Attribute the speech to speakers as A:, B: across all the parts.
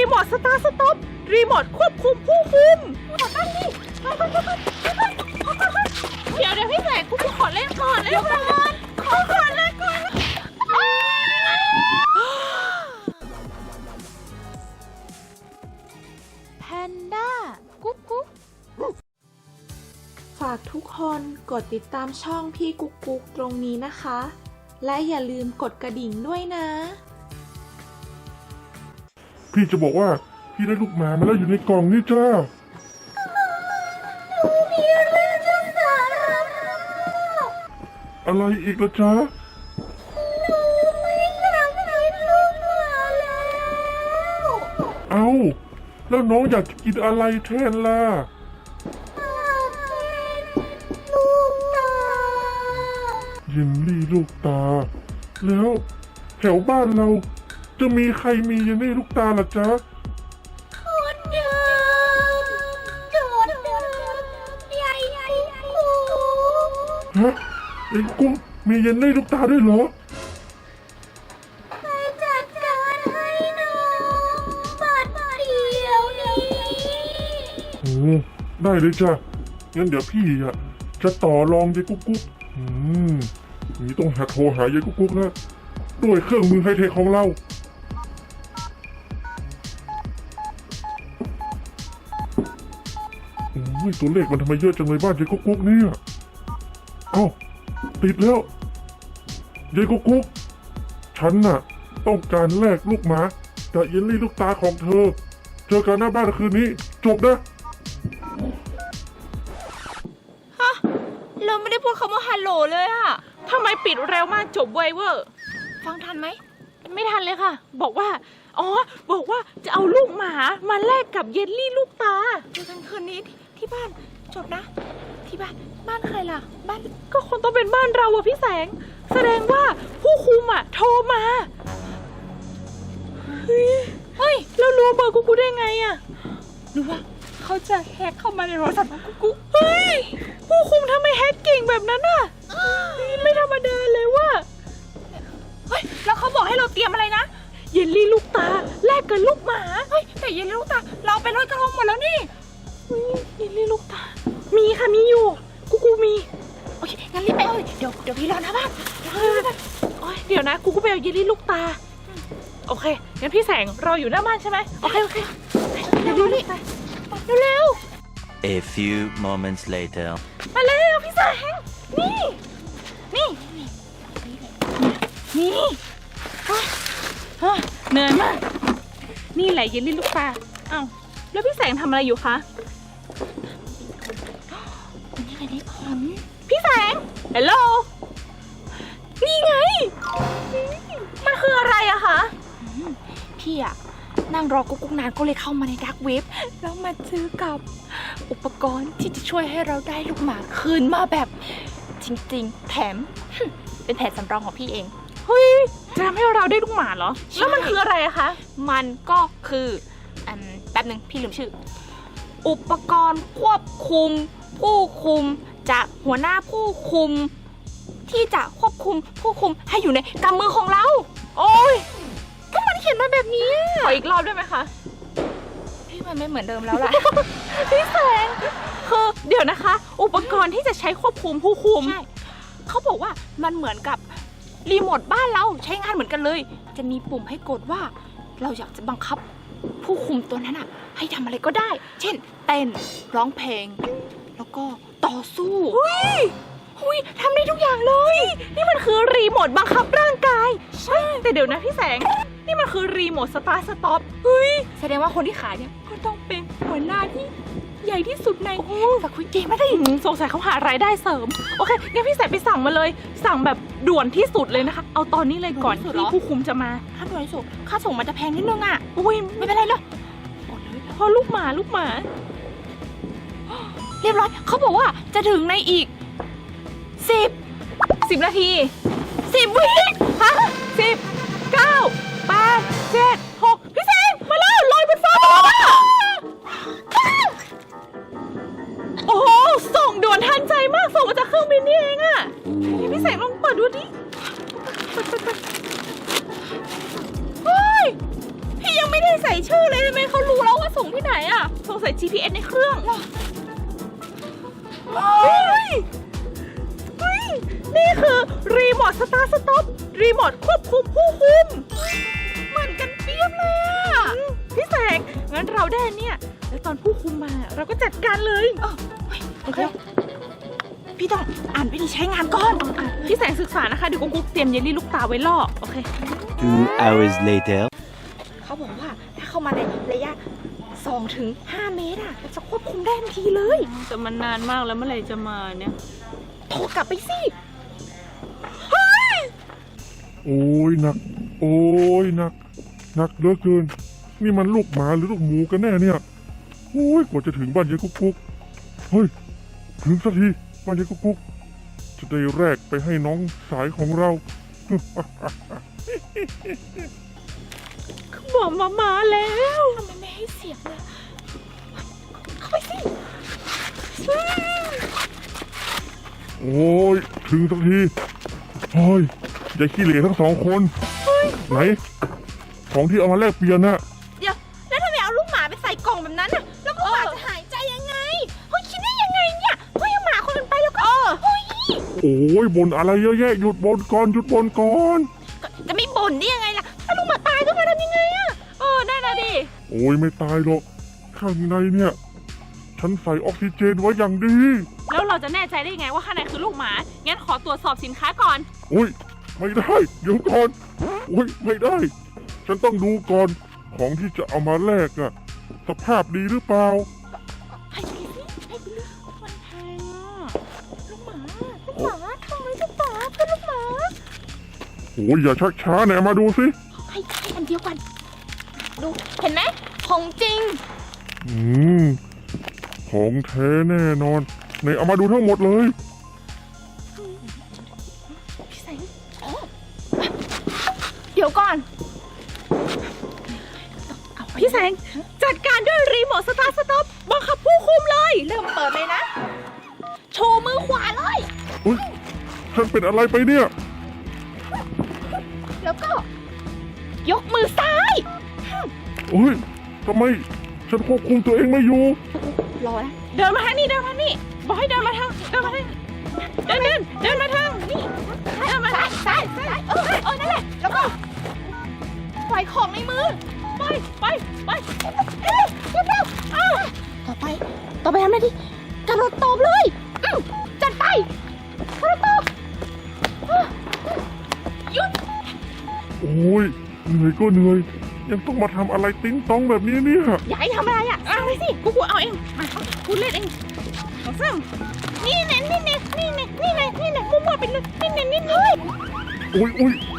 A: โมทสตาร์ทสต็อปรีโมทควบคุมผู้คุมตั้งนี่เดี๋ยวพี่แสงกูขอเล่นก่อนเลยก่อนเลยก่อนแพนด้ากุ๊กกุ๊กฝากทุกคนกดติดตามช่องพี่กุ๊กกุ๊กตรงนี้นะคะและอย่าลืมกดกระดิ่งด้วยนะ
B: พี่จะบอกว่าพี่ได้ลูกหมามาแล้วอยู่ในกล่องนี่จ้าอะไรอีกล่ะจ๊ะเอาแล้วน้องอยากจะกินอะไรแทนล่ะเยลลี่ลูกตาแล้วแถวบ้านเราจะมีใครมีเยลลี่ลูกตาล่ะจ๊ะฮะไอ้กุ้งมีเยลลี่ลูกตาด้วยเหรอ
C: จัดการให้น้องบัดเดียวนี้
B: โอ้ได้เลยจ้ะงั้นเดี๋ยวพี่จะต่อรองยายกุ๊กนี่ต้องโทรหายายกุ๊กนะด้วยเครื่องมือไฮเทคของเราโอ้ยตัวเลขมันทำไมเยอะจังเลยบ้านยายกุ๊กเนี่ยเอ้าติดแล้วยายกุ๊กฉันน่ะต้องการแลกลูกหมากับเยลลี่ลูกตาของเธอเจอกันหน้าบ้านคืนนี้จบนะ
A: เราไม่ได้พูดคำว่าฮัลโหลเลยอะทำไมปิดเร็วมากจบไวเวอร์ฟังทันไหมไม่ทันเลยค่ะบอกว่าจะเอาลูกหมามาแลกกับเยลลี่ลูกตาเจอกันคืนนี้ที่บ้านจบนะที่บ้านใครล่ะบ้านก็คงต้องเป็นบ้านเราอะพี่แสงแสดงว่าผู้คุมอะโทรมาเฮ้ยแล้วรู้เบอร์กูได้ไงอะหรือว่าเขาจะแฮกเข้ามาในโทรศัพท์ของกูเฮ้ยผู้คุมทำไมแฮกเก่งแบบนั้นอะไม่ธรรมดาเลยว่ะเฮ้ยแล้วเขาบอกให้เราเตรียมอะไรนะเยลลี่ลูกตาแลกกับลูกหมาเฮ้ยแต่เยลลี่ลูกตาเราไปลอยกระทงหมดแล้วนี่เยลลี่ลูกตามีค่ะมีอยู่กูมีโอเคงั้นรีบไปเอาเดี๋ยวพี่รอนะบ้านเดี๋ยวนะกูไปเอาเยลลี่ลูกตาโอเคงั้นพี่แสงรออยู่หน้าบ้านใช่ไหมโอเคเดี๋ยวนี่เร็ว
D: A few moments later
A: มาเร็วพี่แสงนี่เหนื่อยมากนี่แหละเยลลี่ลูกตาอ้าวแล้วพี่แสงทำอะไรอยู่คะ
C: นี่ไงได้ผล
A: พี่แสงฮัลโหลนี่ไงมันคืออะไรอะคะ
C: พี่อะนั่งรอกุ๊กนานก็เลยเข้ามาในดาร์กเว็บแล้วมาเจอกับอุปกรณ์ที่จะช่วยให้เราได้ลูกหมาคืนมาแบบจริงๆแถมเป็นแผนสำรองของพี่เอง
A: เฮ้ยจะทำให้เราได้ลูกหมาเหรอแล้วมันคืออะไรอะคะ
C: มันก็คือแป๊บนึงพี่ลืมชื่ออุปกรณ์ควบคุมผู้คุมจากหัวหน้าผู้คุมที่จะควบคุมผู้คุมให้อยู่ในกำมือของเรา
A: โอ้ย
C: ก็มันเขียนมาแบบนี้
A: ขออีกรอบได้ไหมคะ
C: พี่มันไม่เหมือนเดิมแล้วล่ะ
A: พี่แสงคือเดี๋ยวนะคะอุปกรณ์ที่จะใช้ควบคุมผู้คุม
C: ใช่เขาบอกว่ามันเหมือนกับรีโมทบ้านเราใช้งานเหมือนกันเลยจะมีปุ่มให้กดว่าเราอยากจะบังคับผู้คุมตัวนั้นอะให้ทำอะไรก็ได้เช่นเต้นร้องเพลงแล้วก็ต่อสู้
A: หุยทำได้ทุกอย่างเลยนี่มันคือรีโมทบังคับร่างกายใช่แต่เดี๋ยวนะพี่แสงนี่มันคือรีโมทสตาร์ทสต็อป
C: แสดงว่าคนที่ขายเนี่ยก็ต้องเป็นหัวหน้าที่ใหญ่ที่สุดในสควิดเกมไม่ได้
A: สงสัยเขาหารายได้เสริมโอเคงั้นพี่แสงไปสั่งมาเลยสั่งแบบด่วนที่สุดเลยนะคะเอาตอนนี้เลยก่อนที่ผู้คุมจะมา
C: ถ้าด่วนที่สุดค่าส่งมันจะแพงนิดนึงอ่ะ
A: ไม่เป็นไรหรอกพอลูกหมา
C: เรียบร้อยเขาบอกว่าจะถึงในอีก
A: 10 นาที10 วิฮะ10 9 8 7 6พี่แสงมาแล้วลอยบนฟ้ามาแล้วโอ้โหส่งด่วนทันใจมากส่งมาจากเครื่องบินนี่เองอะพี่แสงลองเปิดดูดิเฮ้ยพี่ยังไม่
C: ไม่ได้ใส่ชื่อเลยทำไมเขารู้แล้วว่าส่งที่ไหนอ่ะสงสัย GPS ในเครื่อง
A: นี่คือรีโมทสตาร์ทสต็อปรีโมทควบคุมผู้คุม
C: เหมือนกันเปียบเลยอ่ะ
A: พี่แสงงั้นเราได้เนี่ยแล้วตอนผู้คุมมาเราก็จัดการเลยโอเค
C: พี่ต้องอ่านวิธีใช้งานก่อน
A: พี่แสงศึกษานะคะเดี๋ยวกุ๊กเตรียมเยลลี่ลูกตาไว้ล่อโอเค
D: 2 hours later.
C: เขาบอกว่าถ้าเข้ามาในระยะ 2-5 เมตรอ่ะจะควบคุมได้ทันทีเลย
A: แต่มันนานมากแล้วเมื่อไหร่จะมาเนี่ย
C: โทรกลับไปสิ
B: โอ้ยหนัก โอ้ยหนักหนักเหลือเกิน นี่มันลูกหมาหรือลูกหมูกันแน่เนี่ยโอ้ยกว่าจะถึงบ้านยายกุ๊กกุ๊กเฮ้ยถึงสักทีบ้านยายกุ๊กกุ๊กจะได้แรกไปให้น้องสายของเรา
A: บอกมาแล้ว
C: ทำไมไม่ให้เสียงเลยเข้าไปสิ
B: โอ้ยถึงสักทีโอ้ยอย่าขี้เหร่ทั้งสองคนไหนของที่เอามาแลกเปลี่ยนน่ะ
C: เดี๋ยวแล้วทำไมเอาลูกหมาไปใส่กล่องแบบนั้นน่ะแล้วลูกหมาจะหายใจยังไงเฮ้ยคิดได้ยังไงเนี่ยเฮ้ยเอาหมาคนอื่นไปแล้วก็เฮ้ย
B: โอ้ยบ่นอะไรเยอะแยะหยุดบ่นก่อนหยุดบ่นก่อน
C: จะไม่บ่นได้ยังไงล่ะถ้าลูกหมาตายก็มาทำยังไงอะ
A: ได้นะดิ
B: โอ้ยไม่ตายหรอกข้างในเนี่ยฉันใส่ออกซิเจนไว้อย่างดี
A: แล้วเราจะแน่ใจได้ยังไงว่าข้างในคือลูกหมางั้นขอตรวจสอบสินค้าก่อน
B: โอ้ยไม่ได้เดี๋ยวก่อนโอ้ยไม่ได้ ฉันต้องดูก่อนของที่จะเอามาแลกอะสภาพดีหรือเปล่า
C: ให้ไปสิให้ไปเลย
A: มันแพงอ่ะ
C: ลูกหมาทำไมลูกหมาเพื่อนลูกหมา
B: โอ้ยอย่าชักช้าไหนเอามาดูสิ
C: ให้อันเดียวกันดูเห็นไหมของจริง
B: ของแท้แน่นอนไหนเอามาดูทั้งหมดเลย
C: พี่แสงเดี๋ยวก่อน
A: พี่แสงจัดการด้วยรีโมทสตาร์ทสต็อปบังคับผู้คุมเลย
C: เริ่มเปิดเลยนะ โชว์มือขวาเลย
B: อุ้ยฉันเป็นอะไรไปเนี่ย
C: แล้วก็ ยกมือซ้าย
B: โอ้ยทำไมฉันควบคุมตัวเองไม่อยู่
C: รอนะ
A: เดินมาทางนี้เดินมาทางนี้บอกให้เดินมาทางเดินมาทางเดินมาทางนี่
C: เดินมาซ้ายนั่นแหละ แล้วก็ปล่อยของในมือ
A: ไป
C: เร็วต่อไปทำอะไรดิกระโดดตบเลยจัดไปกระโดดตบหยุด
B: โอ้ยเหนื่อยก็เหนื่อย ยังต้องมาทำอะไรติ้งต้องแบบนี้เนี่ย
C: อย่าให้ทำอะไรอ่ะเอาเลยสิ
A: กูเอาเองมากูเล่นเองเอาซ้ำนี่แน่มั่วๆไปเลยนี่แน่
B: โอ้ย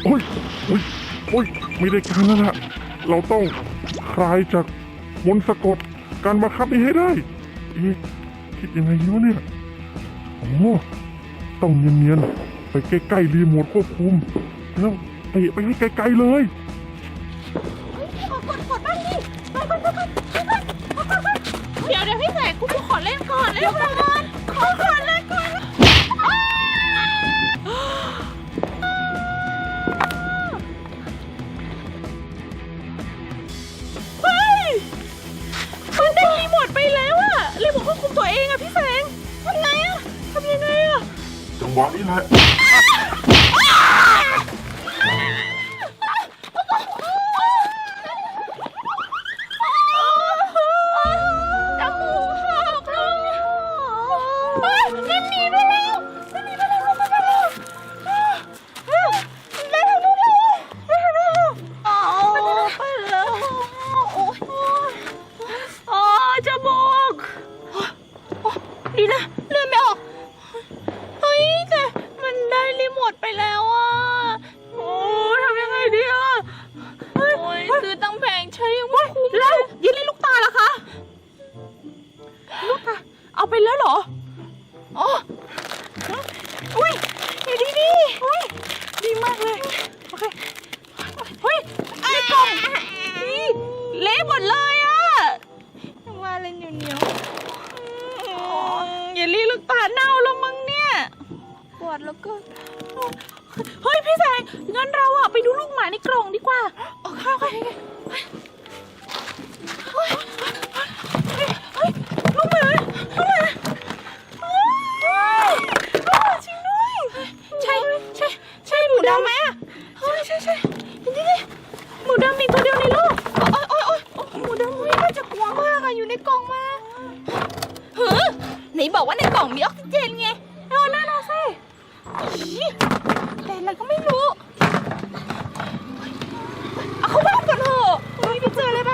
B: ไม่ได้การแล้วล่ะ เราต้องคลายจากมนต์สะกดการบังคับนี้ให้ได้คิดยังไงดีวะเนี่ยโอ้ต้องเนียนๆไปใกล้ๆรีโมทควบคุมแล้วเตะไปให้ไกลๆเลย
C: กดบ้างดิไป
A: เดี๋ยวพี่แสงกูขอเล่นก่อนเล่นก่อนขอเล่นก่อนเฮ้ยมันได้รีโมทไปแล้วอะรีโมทควบคุมตัวเองอะพี่แสงทำไงอะทำยังไงอะ
B: จังหวะนี้แหละ
C: จมูกหักเลยนั่นหนีไปแล้ว
A: จมูก
C: ดีนะเลื่อนไม่ออก
A: เฮ้ยแต่มันได้รีโมทไปแล้วอ่ะโอ้ทำยังไงดีอ่ะโอ้ยซื้อตั้งแพงใช้ยังไม่คุ้มแล้วยินลี่ลูกตาล่ะคะลูกตาเอาไปแล้วเหรออ๋ออุ้ยดีอุ้ยดีมากเลยโอเคเฮ้ยในกล่องนี่เละหมดเลยอ่ะ
C: ว่าอะไรเหนียว
A: เยลลี่ลูกตาเน่าแล้วมั้งเนี่ย
C: ปวดแล้วก็
A: เฮ้ยพี่แสงงั้นเราอะไปดูลูกหมาในกล่องดีกว่าโอเค
C: ดำไหมอะเฮ้ยใช่นี่หมูดำมีตัวเดียวในโลกโอ๊ยหมูดำน่าจะกลัวมากอะอยู่ในกล่องมาไหนบอกว่าในกล่องมีออกซิเจนไงนั่นน่ะสิแต่อะไรก็ไม่รู้เอาเข้าบ้านก่อนเถอะไม่ไปเจออะไรไหม